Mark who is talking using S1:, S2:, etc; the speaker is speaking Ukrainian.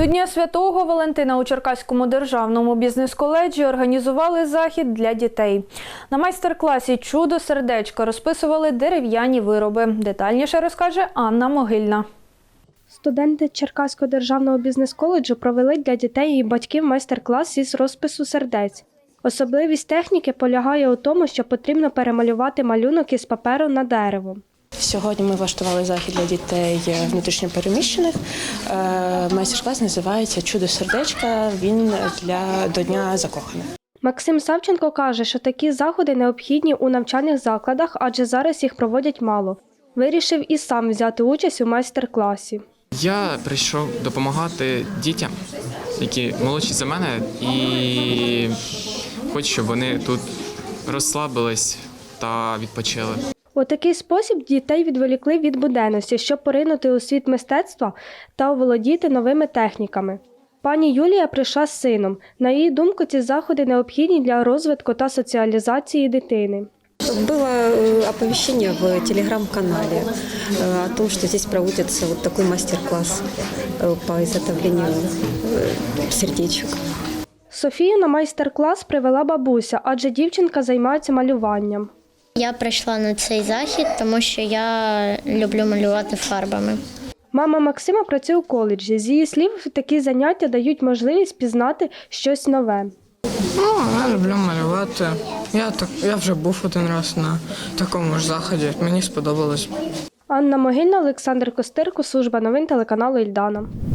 S1: До Дня Святого Валентина у Черкаському державному бізнес-коледжі організували захід для дітей. На майстер-класі «Чудо сердечка» розписували дерев'яні вироби. Детальніше розкаже Анна Могильна.
S2: Студенти Черкаського державного бізнес-коледжу провели для дітей і батьків майстер-клас із розпису сердець. Особливість техніки полягає у тому, що потрібно перемалювати малюнок із паперу на дерево.
S3: Сьогодні ми влаштували захід для дітей внутрішньопереміщених. Майстер-клас називається «Чудо сердечка», він до Дня закоханих.
S2: Максим Савченко каже, що такі заходи необхідні у навчальних закладах, адже зараз їх проводять мало. Вирішив і сам взяти участь у майстер-класі.
S4: Я прийшов допомагати дітям, які молодші за мене, і хочу, щоб вони тут розслабились та відпочили.
S2: У такий спосіб дітей відволікли від буденності, щоб поринути у світ мистецтва та оволодіти новими техніками. Пані Юлія прийшла з сином. На її думку, ці заходи необхідні для розвитку та соціалізації дитини.
S5: Было оповещение в телеграм-канале о том, что здесь проводится вот такой мастер-класс по изготовлению сердечек.
S2: Софію на майстер-клас привела бабуся, адже дівчинка займається малюванням.
S6: Я прийшла на цей захід, тому що я люблю малювати фарбами.
S2: Мама Максима працює у коледжі. З її слів, такі заняття дають можливість пізнати щось нове.
S7: Я люблю малювати. Я вже був один раз на такому ж заході. Мені сподобалось.
S2: Анна Могильна, Олександр Костирко, служба новин телеканалу «Ільдана».